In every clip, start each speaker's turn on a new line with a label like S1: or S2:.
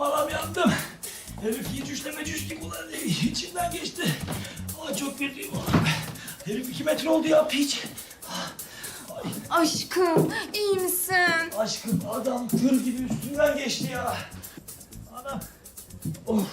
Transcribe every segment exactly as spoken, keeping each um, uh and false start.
S1: anam yandım. Herif hiç üçleme cüş gibi ulan içimden geçti. Aa, çok kötüyüm. Herif iki metre oldu ya piç.
S2: Aşkım, iyi misin?
S1: Aşkım adam tır gibi üstünden geçti ya. Anam. Oh.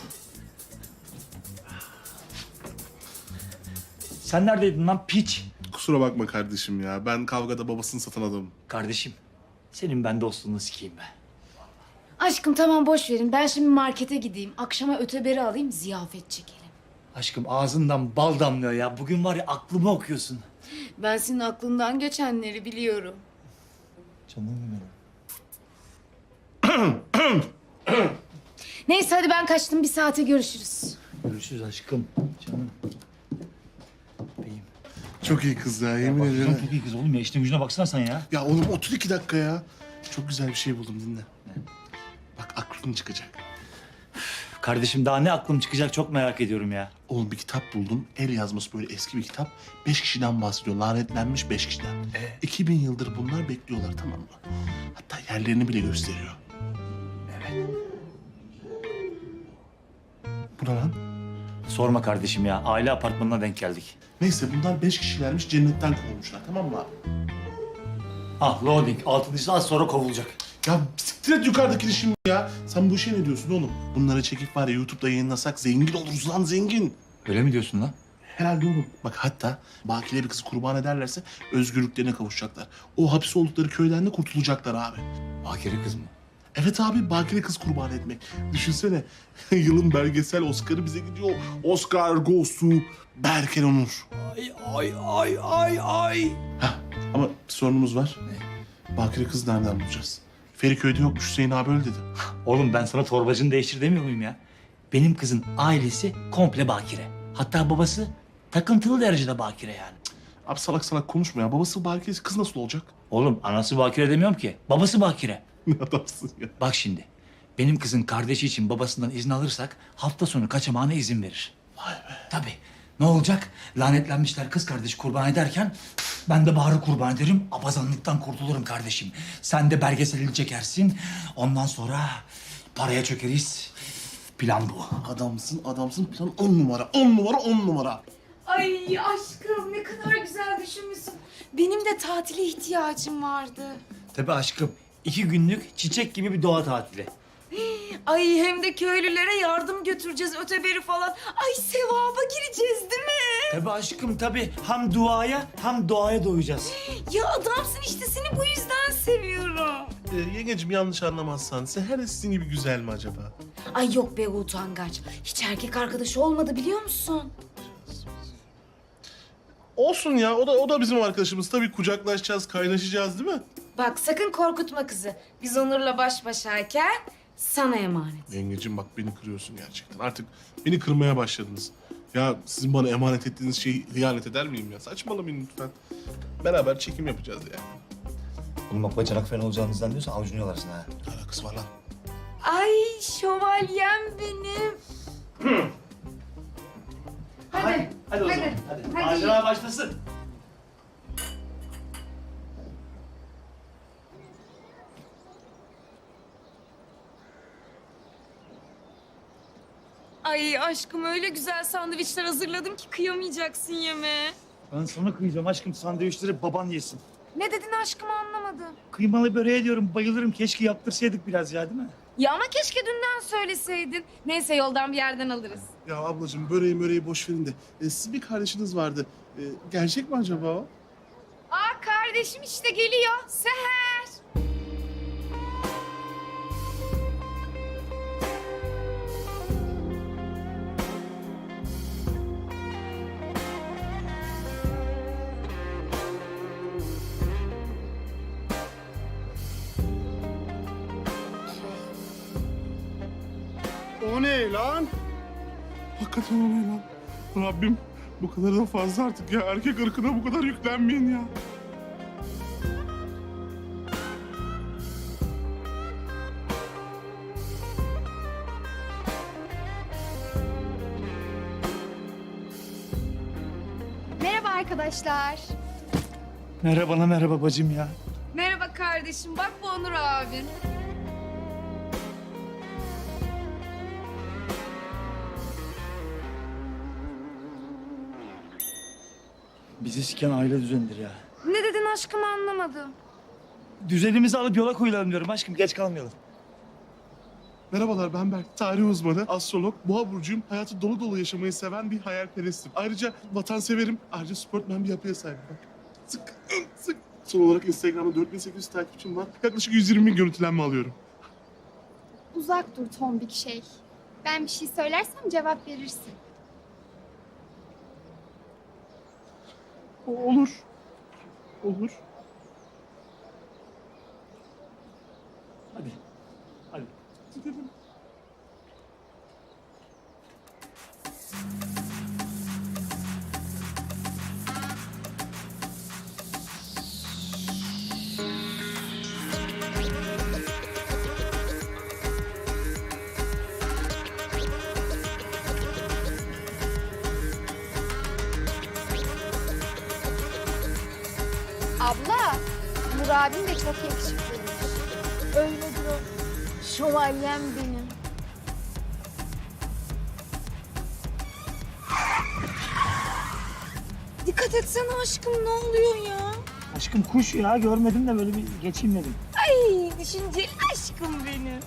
S1: Sen neredeydin lan piç?
S3: Kusura bakma kardeşim ya. Ben kavgada babasını satan adamım.
S1: Kardeşim, senin ben dostluğunu sikeyim be.
S2: Aşkım tamam boş verin. Ben şimdi markete gideyim. Akşama öteberi alayım, ziyafet çekelim.
S1: Aşkım ağzından bal damlıyor ya. Bugün var ya aklımı okuyorsun.
S2: Ben senin aklından geçenleri biliyorum.
S1: Canım benim.
S2: Neyse hadi ben kaçtım. Bir saate görüşürüz.
S1: Görüşürüz aşkım. Canım. Beyim.
S3: Çok iyi kız ya, yemin
S1: Bak,
S3: ederim.
S1: çok iyi kız oğlum ya. İşte gücüne baksana sen ya.
S3: Ya oğlum otur iki dakika ya. Çok güzel bir şey buldum, dinle. Bak aklın çıkacak.
S1: Kardeşim daha ne aklım çıkacak çok merak ediyorum ya.
S3: Oğlum bir kitap buldum. El yazması böyle eski bir kitap. Beş kişiden bahsediyor. Lanetlenmiş beş kişiden.
S1: Ee?
S3: İki bin yıldır bunlar bekliyorlar, tamam mı? Hatta yerlerini bile gösteriyor.
S1: Evet.
S3: Bu ne lan?
S1: Sorma kardeşim ya. Aile apartmanına denk geldik.
S3: Neyse bunlar beş kişilermiş, cennetten kovulmuşlar, tamam mı abi?
S1: Ah loading. Altıncısı az sonra kovulacak.
S3: Ya siktir et yukarıdakini şimdi ya. Sen bu işe ne diyorsun oğlum? Bunları çekip var ya YouTube'da yayınlasak zengin oluruz lan, zengin.
S1: Öyle mi diyorsun lan?
S3: Herhalde oğlum. Bak hatta bakire bir kızı kurban ederlerse özgürlüklerine kavuşacaklar. O hapis oldukları köyden de kurtulacaklar abi.
S1: Bakire kız mı?
S3: Evet abi, bakire kız kurban etmek. Düşünsene yılın belgesel Oscar'ı bize gidiyor. Oscar goes to Berker Onur.
S1: Ay ay ay ay ay.
S3: Hah ama bir sorunumuz var.
S1: Ne?
S3: Bakire kız nereden bulacağız? Feriköy'de yokmuş, Hüseyin abi öyle dedi.
S1: Oğlum ben sana torbacını değiştir demiyor muyum ya? Benim kızın ailesi komple bakire. Hatta babası takıntılı derecede bakire yani.
S3: Abi salak salak konuşma ya. Babası bakire, kız nasıl olacak?
S1: Oğlum anası bakire demiyorum ki. Babası bakire.
S3: Ne adamsın ya.
S1: Bak şimdi. Benim kızın kardeşi için babasından izin alırsak hafta sonu kaçamağına izin verir.
S3: Vay be.
S1: Tabii. Ne olacak? Lanetlenmişler kız kardeşi kurban ederken ben de Bahar'ı kurban ederim. Abazanlıktan kurtulurum kardeşim. Sen de belgeselini çekersin. Ondan sonra paraya çökeriz. Plan bu.
S3: Adamsın, adamsın. Plan on numara, on numara, on numara.
S2: Ay aşkım ne kadar güzel düşünmüşsün. Benim de tatile ihtiyacım vardı.
S1: Tabii aşkım. İki günlük çiçek gibi bir doğa tatili.
S2: Ay hem de köylülere yardım götüreceğiz öteberi falan. Ay sevaba gireceğiz değil mi?
S1: Tabii aşkım tabii. Hem duaya hem doğaya doyacağız.
S2: Ya adamsın işte seni bu yüzden seviyorum.
S3: Ee, yengecim yanlış anlamazsan, Seher sizin gibi güzel mi acaba?
S2: Ay yok be utangaç. Hiç erkek arkadaşı olmadı biliyor musun?
S3: Olsun ya, o da o da bizim arkadaşımız. Tabii kucaklaşacağız, kaynaşacağız değil mi?
S2: Bak sakın korkutma kızı. Biz Onur'la baş başayken sana emanet.
S3: Yengecim bak beni kırıyorsun gerçekten. Artık beni kırmaya başladınız. Ya sizin bana emanet ettiğiniz şeyi hıyanet eder miyim ya? Saçmalamayın lütfen. Beraber çekim yapacağız yani.
S1: Oğlum bak bacanak falan olacağınızdan diyorsan avucunu yalarsın ha.
S3: Ne alakası var lan?
S2: Ay şövalyem benim. Hadi.
S1: Hadi o
S2: Hadi.
S1: zaman. Hadi.
S2: Hadi.
S1: Macera başlasın.
S2: Ay aşkım öyle güzel sandviçler hazırladım ki kıyamayacaksın yeme.
S1: Ben sana kıyacağım aşkım. Sandviçleri baban yesin.
S2: Ne dedin aşkım anlamadım.
S1: Kıymalı böreğe diyorum bayılırım. Keşke yaptırsaydık biraz ya değil mi?
S2: Ya ama keşke dünden söyleseydin. Neyse yoldan bir yerden alırız.
S3: Ya ablacığım böreği möreği boş verin de. E, sizin bir kardeşiniz vardı. E, gerçek mi acaba o?
S2: Aa kardeşim işte geliyor. Seher.
S3: O ne lan? Hakikaten o ne lan? Rabbim bu kadar da fazla artık ya. Erkek ırkına bu kadar yüklenmeyin ya.
S2: Merhaba arkadaşlar.
S1: Merhaba merhaba bacım ya.
S2: Merhaba kardeşim. Bak bu Onur abin.
S1: Bizi siken aile düzenidir ya.
S2: Ne dedin aşkım anlamadım.
S1: Düzenimizi alıp yola koyulalım diyorum aşkım. Geç kalmayalım.
S3: Merhabalar, ben Berk. Tarih uzmanı, astrolog, boğa burcuyum. Hayatı dolu dolu yaşamayı seven bir hayalperestim. Ayrıca vatanseverim. Ayrıca sportmen bir yapıya sahibim. Bak. Sık, sık. Son olarak Instagram'da dört bin sekiz yüz takipçim var. Yaklaşık yüz yirmi bin görüntülenme alıyorum.
S4: Uzak dur tombik şey. Ben bir şey söylersem cevap verirsin.
S3: Olur. Olur.
S1: Hadi. Hadi.
S3: Gidelim.
S4: Abla, Nur abim de çok yakışıklıymış. Öyledir o. Şövalyem benim.
S2: Dikkat etsene aşkım ne oluyor ya?
S1: Aşkım kuş ya görmedim de böyle bir geçeyim dedim.
S2: Ay düşünceli aşkım benim.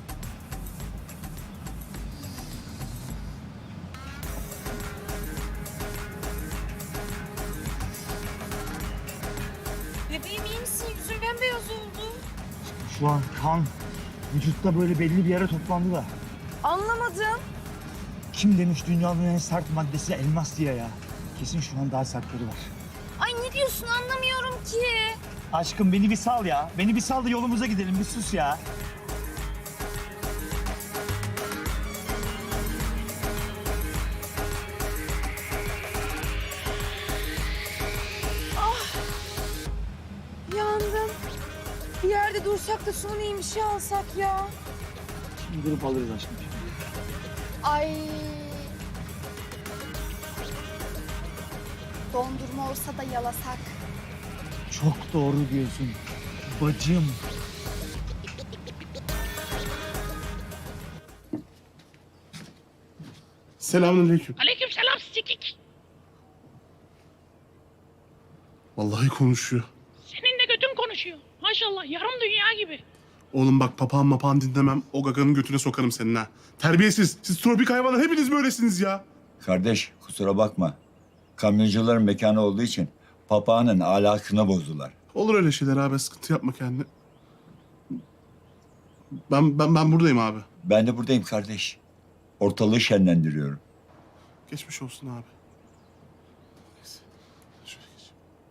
S2: Bebeğim iyi misin? Yüzün bembeyaz oldu.
S1: Şu an kan vücutta böyle belli bir yere toplandı da.
S2: Anlamadım.
S1: Kim demiş dünyanın en sert maddesi elmas diye ya. Kesin şu an daha sertleri var.
S2: Ay ne diyorsun anlamıyorum ki.
S1: Aşkım beni bir sal ya. Beni bir sal da yolumuza gidelim. Bir sus ya.
S2: Yandım. Bir yerde dursak da suni bir şey alsak ya.
S1: Şimdi durup alırız aşkım.
S4: Ay. Dondurma olsa da yalasak.
S1: Çok doğru diyorsun. Bacım.
S3: Selamünaleyküm.
S5: Aleykümselam sikik.
S3: Vallahi konuşuyor.
S5: Senin de götün konuşuyor. Maşallah yarım dünya gibi.
S3: Oğlum bak papağan mapağan dinlemem. O gaganın götüne sokarım senin ha. Terbiyesiz. Siz tropik hayvanlar hepiniz böylesiniz ya.
S6: Kardeş kusura bakma. Kamyoncuların mekanı olduğu için papağanın ahlakını bozdular.
S3: Olur öyle şeyler abi. Sıkıntı yapma kendine. Ben ben ben buradayım abi.
S6: Ben de buradayım kardeş. Ortalığı şenlendiriyorum.
S3: Geçmiş olsun abi. Neyse. Şöyle geç.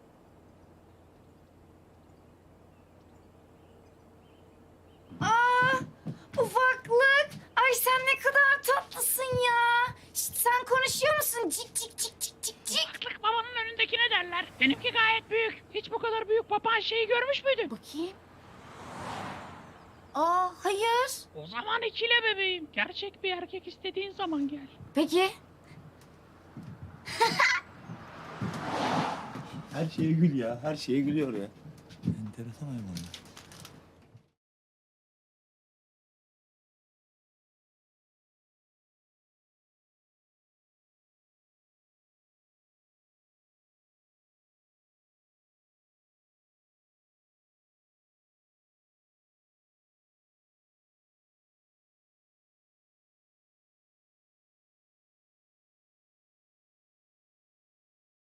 S2: Ufaklık. Ay sen ne kadar tatlısın ya. Şişt, sen konuşuyor musun? Cik cik cik cik cik cik.
S5: Ufaklık babanın önündekine derler. Benimki gayet büyük. Hiç bu kadar büyük papağan şeyi görmüş müydün?
S2: Bakayım. Aa hayır.
S5: O zaman ikile bebeğim. Gerçek bir erkek istediğin zaman gel.
S2: Peki.
S1: Her şeye gül ya. Her şeye gülüyor ya. Enteresan hayvanlar.